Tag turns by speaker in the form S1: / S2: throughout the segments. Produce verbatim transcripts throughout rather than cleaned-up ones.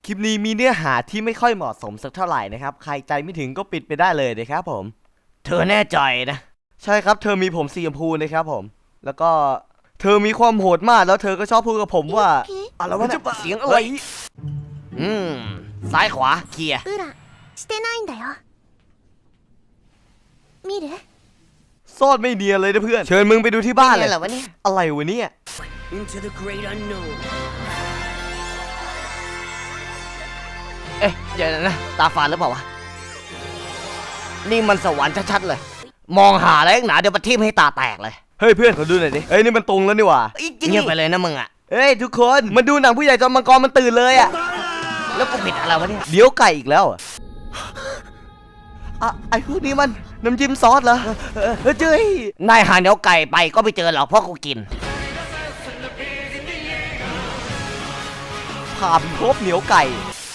S1: คลิปนี้มีเนื้อหาที่ไม่ค่อยเหมาะสมสักเท่าไหร่นะครับใครใจไม่ถึงก็ปิดไปได้เลยนะครับผมเธอแน่ใจนะใช่ครับเธอมีผมสีชมพูนะครับผมแล้วก็เธอมีความโหดมากแล้วเธอก็ชอบพูดกับผมว่าอะไรวะเนี่ยเสียงอะไรอืมซ้ายขวาเคลียร์
S2: 裏してないんだよ見る
S1: ซ่อนไม่เนียนเลยนะเพื่อนเชิญมึงไปดูที่บ้านเลย
S3: เหรอวะเนี่ย
S1: อะไรวะเนี่ย
S3: Into the great unknown
S1: เอ๊ะเดี๋ยวนะตาฝาดหรือเปล่าวะนี่มันสวรรค์ชัดๆเลยมองหาอะไรหนาเดี๋ยวปะทิ่มให้ตาแตกเลยเฮ้ยเพื่อนขอดูหน่อยดิเอ้ยนี่มันตรงแล้วนี่หว่า
S3: เงียบไปเลยนะมึงอ่ะ
S1: เฮ้ยทุกคนมาดูหนังผู้ใหญ่จอมมังกรมันตื่นเลยอ่ะ
S3: แล้วกูผิดอะไรวะเนี่ย
S1: เดี๋ยวไก่อีกแล้วอะอ่ะไอ้พวกนี้มันน้ำจิ้มซอสเหรอเออเออเจ้ย
S3: นายหาเนื้อไก่ไปก็ไม่เจอหรอกเพราะกูกิน
S1: ผ่าพิภพเหนียวไก่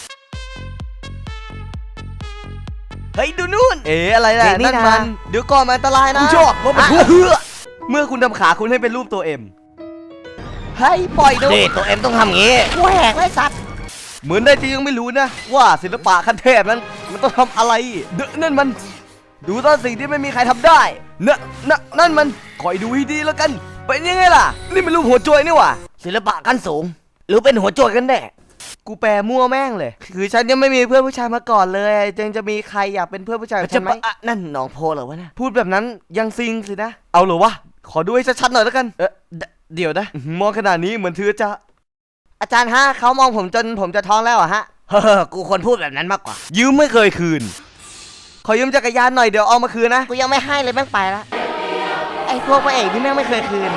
S1: เฮ้ยดูนู่นเอ๋อะไรล่ะ
S3: นี่
S1: นั่น
S3: นะ
S1: มันเดี๋ยวก่อนมันอันตรายนะ
S3: คุณชอบรถบรรทุก
S1: อ่ะเฮือเมื่อคุณทำขาคุณให้เป็นรูปตัวเอ็มให้ปล่อยดู
S3: นี่ตัวเอ็มต้องทำงี้กูแหกไว้สัตว์
S1: เหมือนได้จะยังไม่รู้นะว่าศิลปะขั้นเทพนั้นมันต้องทำอะไรเดอะนั่นมันดูตอนสิ่งที่ไม่มีใครทำได้เนอะนะนั่นมันคอยดูให้ดีแล้วกันเป็นยังไงล่ะนี่มันรูปหัวโจยนี่หว่า
S3: ศิลปะขั้นสูง หรือเป็นหัวโจกกันแน่
S1: กูแปลมั่วแม่งเลยคือฉันยังไม่มีเพื่อนผู้ชายมาก่อนเลยจึงจะมีใครอยากเป็นเพื่อนผู้ชายกับ
S3: จะ
S1: ฉันไหม
S3: ปะนั่นหนองโพเหรอวะเนี่ย
S1: พูดแบบนั้นยังซิงสินะเอาเหรอวะขอดูให้ชัดๆหน่อยแล้วกันเออเดเดี๋ยวนะอื้อหือมองขนาดนี้เหมือนเธอจะอาจารย์ฮะเขามองผมจนผมจะท้องแล้วอะฮะ
S3: เฮ้อกูควรพูดแบบนั้นมากกว่า
S1: ยืมไม่เคยคืนขอยืมจักรยานหน่อยเดี๋ยวเอามาคืนนะ
S3: กูยังไม่ให้เลยแม่งไปละไอ้พวกพระเอกที่แม่งไม่เคยคืน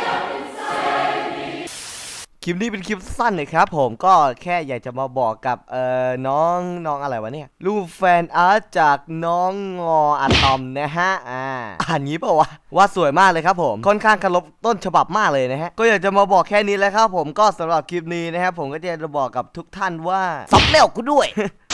S1: คลิปนี้เป็นคลิปสั้นเลยครับผมก็แค่อยากจะมาบอกกับเอ่อน้องน้องอะไรวะเนี่ยรูปแฟนอาร์ตจากน้องงออะตอมนะฮะอ่าอ่านงี้เปล่าวะว่าสวยมากเลยครับผมค่อนข้างเคารพต้นฉบับมากเลยนะฮะก็อยากจะมาบอกแค่นี้แหละครับผมก็สำหรับคลิปนี้นะครับผมก็จะบอกกับทุกท่านว่า
S3: ซับเลี้ยวกูด้วย